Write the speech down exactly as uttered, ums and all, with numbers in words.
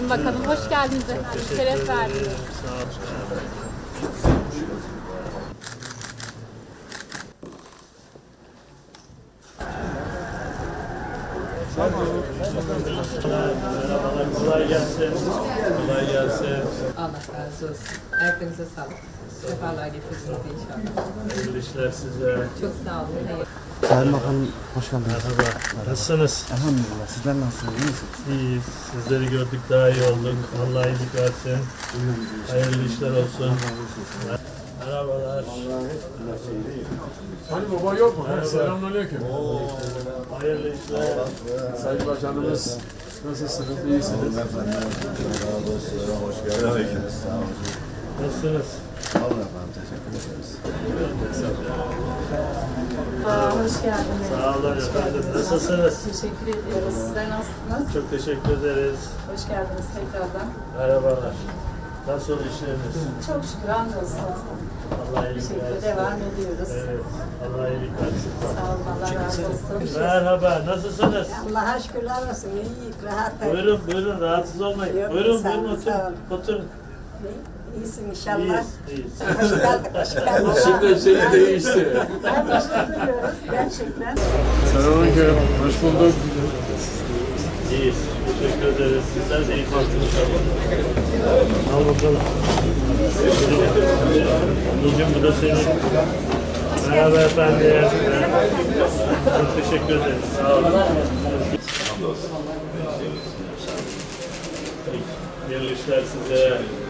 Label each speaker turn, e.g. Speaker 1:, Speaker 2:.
Speaker 1: Sayın Bakanım. Hoş geldiniz efendim. Şeref verdiniz.
Speaker 2: Sağ olun. Merhabalar, kolay gelsin. Kolay gelsin.
Speaker 3: Allah razı olsun. Ayaklarınıza sağlık. Sefalar getirdiniz inşallah.
Speaker 2: Hayırlı işler size.
Speaker 3: Çok sağ olun. Hayır.
Speaker 4: Sayın Bakanım hoş geldiniz.
Speaker 2: Merhaba. Nasılsınız?
Speaker 4: Elhamdülillah. Sizler nasılsınız? İyi misiniz?
Speaker 2: İyiyiz. Sizleri gördük, daha iyi olduk. Allah iyilik versin. Hayırlı işler olsun. Merhabalar.
Speaker 5: Hani baba yok mu?
Speaker 2: Merhaba.
Speaker 5: Selamünaleyküm.
Speaker 2: Hayırlı işler.
Speaker 5: Sayın Bakanımız, nasılsınız? İyisiniz.
Speaker 6: Hoş geldiniz.
Speaker 2: Nasılsınız?
Speaker 6: Sağ olun efendim, teşekkür ederiz.
Speaker 7: Aa, hoş geldiniz.
Speaker 2: Sağ olun efendim. Nasılsınız?
Speaker 7: Teşekkür ediyoruz. Sizler nasılsınız?
Speaker 2: Çok teşekkür ederiz.
Speaker 7: Hoş geldiniz tekrardan.
Speaker 2: Merhabalar. Nasıl işleriniz?
Speaker 7: Çok şükür hamdolsun.
Speaker 2: Allah
Speaker 7: Bir
Speaker 2: iyilik
Speaker 7: şekilde
Speaker 2: versin.
Speaker 7: devam ediyoruz.
Speaker 2: Evet. Allah iyilik versin.
Speaker 7: Sağ olun, Allah razı olsun.
Speaker 2: Merhaba. Nasılsınız?
Speaker 8: Allah'a şükürler olsun. İyi, rahat.
Speaker 2: Buyurun buyurun. Rahatsız olmayın.
Speaker 8: Yok,
Speaker 2: Buyurun
Speaker 8: sağ olun,
Speaker 2: buyurun
Speaker 8: sağ
Speaker 2: oturun.
Speaker 8: olun.
Speaker 2: Oturun.
Speaker 8: İyisin inşallah.
Speaker 2: İyiyiz. iyiyiz.
Speaker 8: Hoş geldik, hoş geldik.
Speaker 5: Şimdi şey değişti.
Speaker 7: Ben teşekkür ediyoruz gerçekten.
Speaker 5: Selamünaleyküm. Hoş bulduk.
Speaker 2: İyiyiz. Teşekkür ederiz. Sizler de iyisiniz inşallah. Al bakalım. Anneciğim bu da senin. Merhaba efendim. Çok teşekkür ederiz. Sağ olun. Hayırlı işler size.